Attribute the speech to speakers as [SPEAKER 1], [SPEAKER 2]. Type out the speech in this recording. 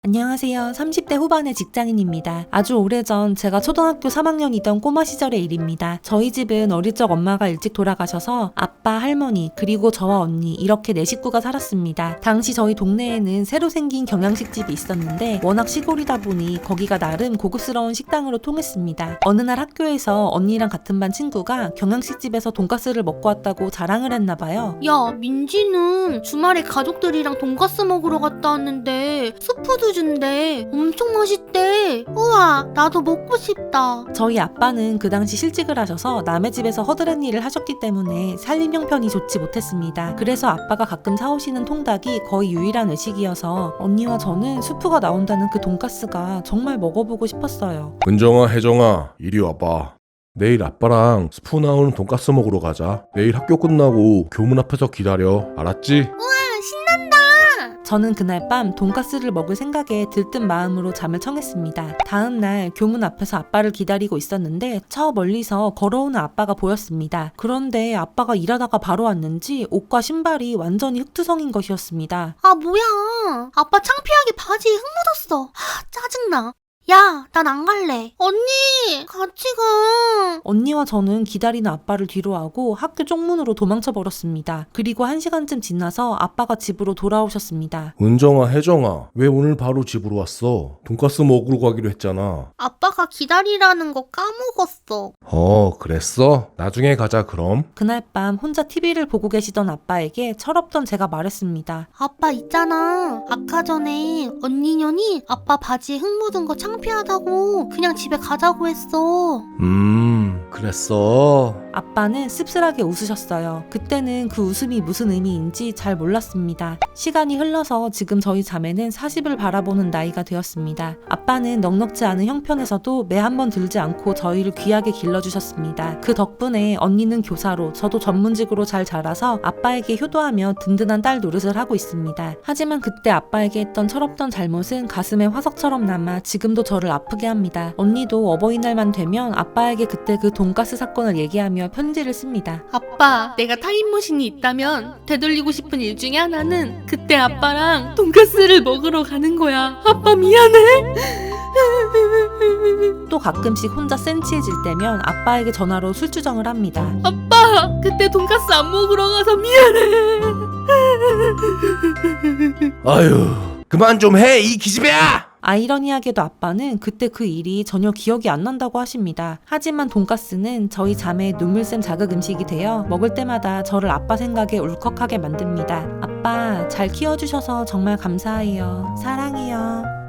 [SPEAKER 1] 안녕하세요. 30대 후반의 직장인입니다. 아주 오래전 제가 초등학교 3학년이던 꼬마 시절의 일입니다. 저희 집은 어릴 적 엄마가 일찍 돌아가셔서 아빠, 할머니, 그리고 저와 언니 이렇게 4식구가 살았습니다. 당시 저희 동네에는 새로 생긴 경양식집이 있었는데 워낙 시골이다 보니 거기가 나름 고급스러운 식당으로 통했습니다. 어느 날 학교에서 언니랑 같은 반 친구가 경양식집에서 돈가스를 먹고 왔다고 자랑을 했나 봐요.
[SPEAKER 2] 야, 민지는 주말에 가족들이랑 돈가스 먹으러 갔다 왔는데 스프도 준대. 엄청 맛있대. 우와, 나도 먹고 싶다.
[SPEAKER 1] 저희 아빠는 그 당시 실직을 하셔서 남의 집에서 허드렛 일을 하셨기 때문에 살림 형편이 좋지 못했습니다. 그래서 아빠가 가끔 사오시는 통닭이 거의 유일한 외식이어서 언니와 저는 수프가 나온다는 그 돈가스가 정말 먹어보고 싶었어요.
[SPEAKER 3] 은정아, 혜정아, 이리 와봐. 내일 아빠랑 스프 나오는 돈가스 먹으러 가자. 내일 학교 끝나고 교문 앞에서 기다려. 알았지?
[SPEAKER 1] 저는 그날 밤 돈가스를 먹을 생각에 들뜬 마음으로 잠을 청했습니다. 다음 날 교문 앞에서 아빠를 기다리고 있었는데 저 멀리서 걸어오는 아빠가 보였습니다. 그런데 아빠가 일하다가 바로 왔는지 옷과 신발이 완전히 흙투성인 것이었습니다.
[SPEAKER 2] 아, 뭐야. 아빠 창피하게 바지에 흙 묻었어. 짜증나. 야, 난 안 갈래. 언니, 같이 가.
[SPEAKER 1] 언니와 저는 기다리는 아빠를 뒤로하고 학교 쪽문으로 도망쳐 버렸습니다. 그리고 1시간쯤 지나서 아빠가 집으로 돌아오셨습니다.
[SPEAKER 3] 은정아, 혜정아, 왜 오늘 바로 집으로 왔어? 돈가스 먹으러 가기로 했잖아.
[SPEAKER 2] 아빠가 기다리라는 거 까먹었어.
[SPEAKER 3] 그랬어? 나중에 가자 그럼.
[SPEAKER 1] 그날 밤 혼자 TV를 보고 계시던 아빠에게 철없던 제가 말했습니다.
[SPEAKER 2] 아빠 있잖아. 아까 전에 언니년이 아빠 바지에 흙 묻은 거 창피하다고 그냥 집에 가자고 했어.
[SPEAKER 3] 그랬어.
[SPEAKER 1] 아빠는 씁쓸하게 웃으셨어요. 그때는 그 웃음이 무슨 의미인지 잘 몰랐습니다. 시간이 흘러서 지금 저희 자매는 40을 바라보는 나이가 되었습니다. 아빠는 넉넉지 않은 형편에서도 매 한 번 들지 않고 저희를 귀하게 길러주셨습니다. 그 덕분에 언니는 교사로 저도 전문직으로 잘 자라서 아빠에게 효도하며 든든한 딸 노릇을 하고 있습니다. 하지만 그때 아빠에게 했던 철없던 잘못은 가슴에 화석처럼 남아 지금도 저를 아프게 합니다. 언니도 어버이날만 되면 아빠에게 그때 그 돈가스 사건을 얘기하며 편지를 씁니다.
[SPEAKER 2] 아빠, 내가 타임머신이 있다면 되돌리고 싶은 일 중에 하나는 그때 아빠랑 돈가스를 먹으러 가는 거야. 아빠 미안해.
[SPEAKER 1] 또 가끔씩 혼자 센치해질 때면 아빠에게 전화로 술주정을 합니다.
[SPEAKER 2] 아빠, 그때 돈가스 안 먹으러 가서 미안해.
[SPEAKER 3] 아유, 그만 좀 해, 이 기집애야!
[SPEAKER 1] 아이러니하게도 아빠는 그때 그 일이 전혀 기억이 안 난다고 하십니다. 하지만 돈가스는 저희 자매의 눈물샘 자극 음식이 되어 먹을 때마다 저를 아빠 생각에 울컥하게 만듭니다. 아빠 잘 키워주셔서 정말 감사해요. 사랑해요.